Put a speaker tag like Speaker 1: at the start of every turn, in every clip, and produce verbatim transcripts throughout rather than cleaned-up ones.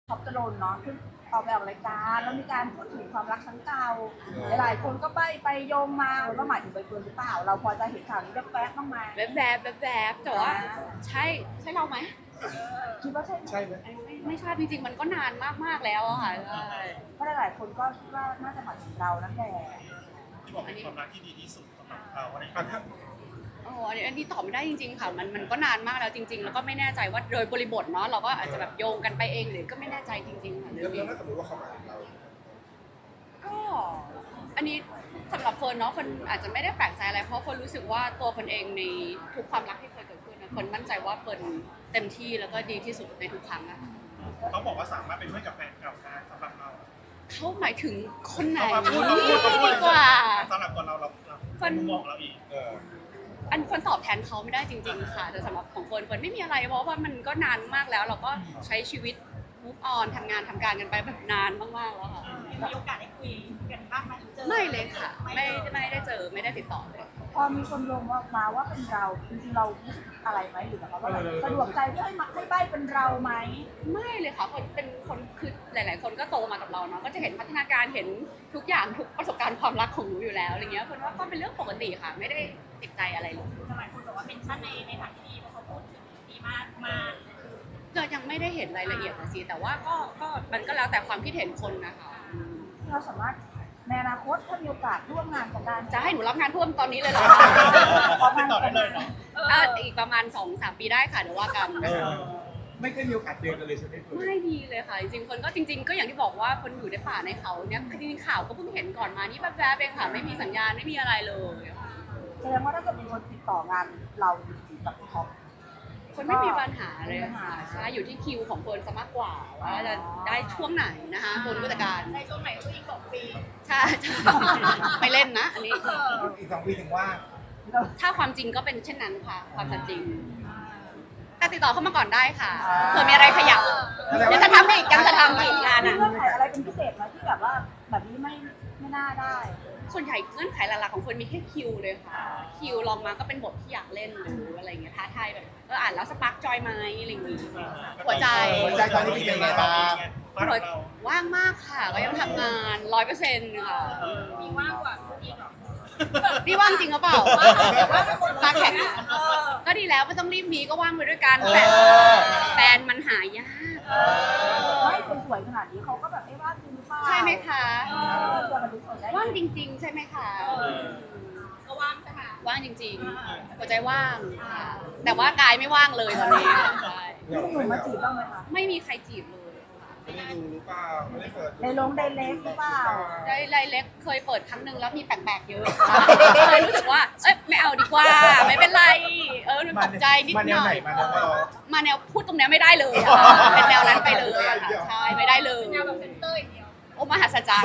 Speaker 1: ท็อปจรนเนาะขึ้นออกไปออกรายการแล้วมีการพูดถึงความรักครั้งเก่าหลายๆคนก็ไปไปโยงมาว่าหมายถึงใบเฟิร์นหรือเปล่าเราพอจะเห็นข่าวนี้แวบๆบ้างไหม
Speaker 2: แบบแบบแบบแบบแต่ว่าใช่ใช่เราไหม
Speaker 1: คิดว่าใช่ไหม
Speaker 3: ใช่ไหม
Speaker 2: ไม่ไม่ใช่จริงๆมันก็นานมากๆแล้วอะค่ะใช่
Speaker 1: เพราะหลายๆคนก็คิดว่าน่าจะหมายถึงเรานั่นแหละ
Speaker 4: ที่บอกเป็นความรักที่ดีที่สุดสำหรับเราอะไรอย่าง
Speaker 3: อ่ะ
Speaker 4: เงี้ย
Speaker 3: ถ้า
Speaker 2: โอ้อันนี้อันนี้ตอบไม่ได้จริงๆค่ะมันมันก็นานมากแล้วจริง ๆ แล้วก็ไม่แน่ใจว่าโดยบริบทเนาะเราก็อาจจะแบบโยงกันไปเองหรือก็ไม่แน่ใจจริงๆค่ะ
Speaker 3: แล้
Speaker 2: เรื่
Speaker 3: ว
Speaker 2: องนี้
Speaker 3: ถ้าสมมติว่าเขามาถึงเรา
Speaker 2: ก็อันนี้สำหรับเฟิร์นเนาะเฟิร์นอาจจะไม่ได้แปลกใจอะไรเพราะเฟิร์นรู้สึกว่าตัวเฟิร์นเองในทุกความรักที่เคยเกิดขึ้นนะเฟิร์นมั่นใจว่าเฟิร์นเต็มที่แล้วก็ดีที่สุดในทุกครั้งอะ
Speaker 4: เขาบอกว่าสามารถเป็นเพื่อนกับแฟนเก่าได้สำหรับเรา
Speaker 2: เขาหมายถึงคนไหน
Speaker 4: เขาพูดเขาพูดเขาพูด
Speaker 2: ดีกว่า
Speaker 4: สำหรับตัวเราเราเรามุมมองเราอีก
Speaker 3: เออ
Speaker 2: อันเฟิร์นตอบแทนเขาไม่ได้จริงๆค่ะแต่สำหรับของเฟิร์นเฟิร์นไม่มีอะไรเพราะว่ามันก็นานมากแล้ว เราก็ใช้ชีวิต move on ทำงานทำการกันไปแบบนานมากๆแล้วค่ะ
Speaker 5: มีโอกาสได้คุยกันบ้างไหมเจอ
Speaker 2: ไม่เลยค่ะ ไม่ไม่ได้เจอไม่ได้ติดต่อเลย
Speaker 1: พอมีคนลงว่ามาว่าเป็นเราจริงๆเรารู้สึกอะไรไหมหรือแบบว่าแบบสะดวกใจที่ให้มาให้ใบเป็นเราไหม
Speaker 2: ไม่เลยค่ะคนเป็นคนคือหลาย ๆ คนก็โตมากับเราเนาะก็จะเห็นพัฒนาการเห็นทุกอย่างทุกประสบการณ์ความรักของหนูอยู่แล้วอะไรเงี้ยเฟิร์นว่าก็เป็นเรื่องปกติค่ะ ไม่ได้ติดใจอะไรเลย
Speaker 5: หลายคนบอกว่าเป็นชั้นในในทางที่ดีเพราะเขาพูดถึงดีมากมาก
Speaker 2: ก็ยังไม่ได้เห็นรายละเอียดนะสิแต่ว่าก็ก็มันก็แล้วแต่ความคิดเห็นคนนะคะ
Speaker 1: เราสามารถในอนาคตถ้ามีโอกาสร่วมงานกันได้
Speaker 2: จะให้หนูรับงานเพิ่มตอนนี้เลยเหรอ
Speaker 4: ติดต่อได้เลยเนาะ
Speaker 2: เอ่ออีกประมาณ สองสาม ปีได้ค่ะเดี๋ยวว่ากัน
Speaker 3: เออไม่เคยมีโอกาสเจอกันเลยใช่ไหมคุณ
Speaker 2: ไม่ดีเลยค่ะ จริงๆคนก็จริง ๆ ก็อย่างที่บอกว่าคนอยู่ในป่าในเขาเนี่ยจริงๆข่าวก็เพิ่งเห็นก่อนมานี่แบบแบบๆเองค่ะไม่มีสัญญาณไม่มีอะไรเลย
Speaker 1: แสดงว่าถ้าเกิดมีคนติดต่องานเราจริงๆกับท็อป
Speaker 2: คนไม่มีปัญหาเลยค่ะใช่อยู่ที่คิวของเฟิร์นซะมากกว่าว่าจะได้ช่วงไหนนะคะคนผู้จัดการ
Speaker 5: ในช่วงไหนก็อีกสองปี
Speaker 2: ใช่ใช่ไม่เล่นนะอันนี้
Speaker 3: อีกสองปีถึงว่า
Speaker 2: ถ้าความจริงก็เป็นเช่นนั้นค่ะความสัจจริง แต่ติดต่อเข้ามาก่อนได้ค่ะเผื่อมีอะไรขยับยังจะทำอีกยังจะทำอีกงาน
Speaker 1: มี
Speaker 2: อ่ะ
Speaker 1: เงื่อนไขอะไรเป็นพิเศษไหมที่แบบว่าแบบนี้ไม่ไม่น่าได้
Speaker 2: ส่วนใหญ่เงื่อนไขหลักๆของคนมีแค่คิวเลยค่ะคิวลองมาก็เป็นบทที่อยากเล่นหรืออะไรอย่างเงี้ยท้าทายแบบเอออ่านแล้วสปาร์กจอยไหมอะไรอย่างงี้หัวใจ
Speaker 3: หัวใจตอนนี้เป็นยังไงบ้าง
Speaker 2: หัวว่างมากค่ะ ก็ยังทำงานร้อยเปอร์เซ็นต์ค่ะ
Speaker 5: มีว่างกว่าคุณอีกเหรอ
Speaker 2: นี่ว่างจริงหรือเปล่าตาแข็งก็ดีแล้วไม่ต้องรีบมีก็ว่างไปด้วยกันแต่แฟนมันหายาก
Speaker 1: ไม่คนสวยขนาดนี้เขาก็แบบเอ๊ะว่าจริงหรือเปล่า
Speaker 2: ใช่ไหมคะ
Speaker 1: เออตัวมันดูสวยได้
Speaker 2: ว่างจริง ๆ ใช่ไหมคะ
Speaker 5: ก็ว่างใช่ไหม
Speaker 2: ว่างจริงๆหัวใจว่างค่ะแต่ว่ากายไม่ว่างเลยตอนนี้ใช่
Speaker 1: มีหนุ่มมาจีบบ้างไหมคะ
Speaker 2: ไม่มีใครจีบเลยค่ะ
Speaker 3: ไม่ได้ดูหรือเปล่าไม่ได้เปิด
Speaker 1: ในลงไดเล็กหรือเปล่า
Speaker 2: ได้ไลเล็กเคยเปิดครั้งหนึ่งแล้วมีแปลกๆเยอะเลยรู้สึกว่าเอ้ยไม่เอาดีกว่า ไม่เป็นไรเออตกใจนิด
Speaker 3: มาแน
Speaker 2: ห
Speaker 3: ว
Speaker 2: น่
Speaker 3: ไหน
Speaker 2: อย
Speaker 3: มาแนวไหน
Speaker 2: มาแนวพูดตรงเนี้ยไม่ได้เลยอะเป็นแนวนั้นไปเลยอะค่ะใช่ไม่ได้เลย
Speaker 5: แนวแบบเซนเตอร์อย่างเดียว
Speaker 2: โอ้มหัศจรรย์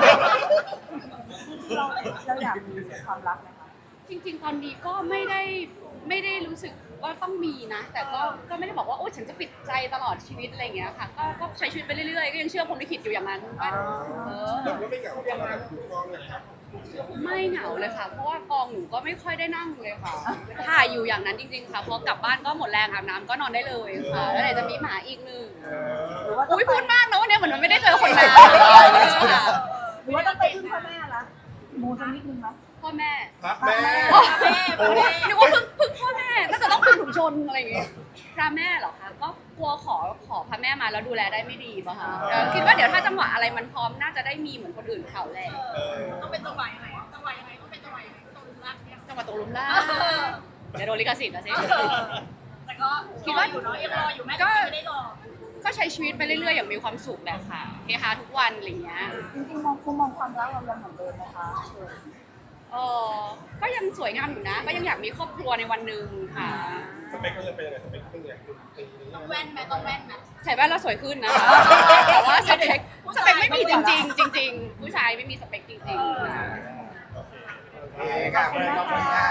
Speaker 1: เราเราอยากมีความรักไหมคะ
Speaker 2: จริงๆ ตอนนี้ก็ไม่ได้ไม่ได้รู้สึกว่าต้องมีนะ แต่ก็ก็ไม่ได้บอกว่าโอ้ฉันจะปิดใจตลอดชีวิตอะไรอย่างเงี้ยค่ะก็ก็ใช้ชีวิตไปเรื่อยๆก็ยังเชื่อพรหมลิขิตอยู่อย่างนั้นว่าเออ
Speaker 3: แล้วไม่เหงาทำงานถูกต้องเลยครับ
Speaker 2: ไม่เหงาเลยค่ะ เพราะว่ากองหนูก็ไม่ค่อยได้นั่งเลยค่ะถ่ายอยู่อย่างนั้นจริงๆค่ะพอกลับบ้านก็หมดแรงอาบน้ำก็นอนได้เลยค่ะแล้วไหนจะมีหมาอีกหนึ่ง
Speaker 1: หรือว่าต้อง
Speaker 2: อุ้ย
Speaker 1: ไป
Speaker 2: พูดมากนะวันนี้เหมือนมันไม่ได้เจอคนนานค่ะ
Speaker 1: หรือว่าต้องไปพึ่งพ่อแม่ละมูสักนิดนึงไหม
Speaker 2: พ่อแม่
Speaker 3: พระแม่
Speaker 2: โอ้นึกว่าพึ่งพึ่งพ่อแม่น่าจะต้องพึ่งถุงชนอะไรอย่างเงี้ยพระแม่เหรอคะก็กลัวขอขอพระแม่มาแล้วดูแลได้ไม่ดีป่ะคะเออคิดว่าเดี๋ยวถ้าจังหวะอะไรมันพร้อมน่าจะได้มีเหมือนคนอื่นเขาแหละ
Speaker 5: ต้องเป็นจังหวะยังไงจังหวะยังไงต้องเป็นจังหวะยังไงต้องรักเนี่ย
Speaker 2: จังหวะตกหลุมล่างเดี๋ยวโดนลิขสิทธิ์นะสิ
Speaker 5: แต่ก็คิดว่าอยู่เนาะยังรออยู่แม่ก็ไม่ได้รอ
Speaker 2: ก็ใช้ชีวิตไปเรื่อยๆอย่างมีความสุขแหละค่ะเฮฮาทุกวันอะไรอย่างเงี้ย
Speaker 1: จริงๆมองคุณมองความรักเรายังเหมือนเดิมไหมคะ
Speaker 2: เออก็ยังสวยงามอยู่นะ ก็ยังอยากมีครอบครัวในวันหนึ่งค่ะ
Speaker 3: สเปคเขาจะเป็นยังไงสเปคเป็นยังไงปีนี้
Speaker 5: ต้องแว่นไหมต้องแว่นไหม
Speaker 2: ใส่แว่นแล้วสวยขึ้นนะคะแต่ว่าสเปคสเปคไม่มีจริงๆจริง ๆ ผู้ชายไม่มีสเปคจริงๆค่ะ
Speaker 3: โอเคค่ะขอบคุณค่ะ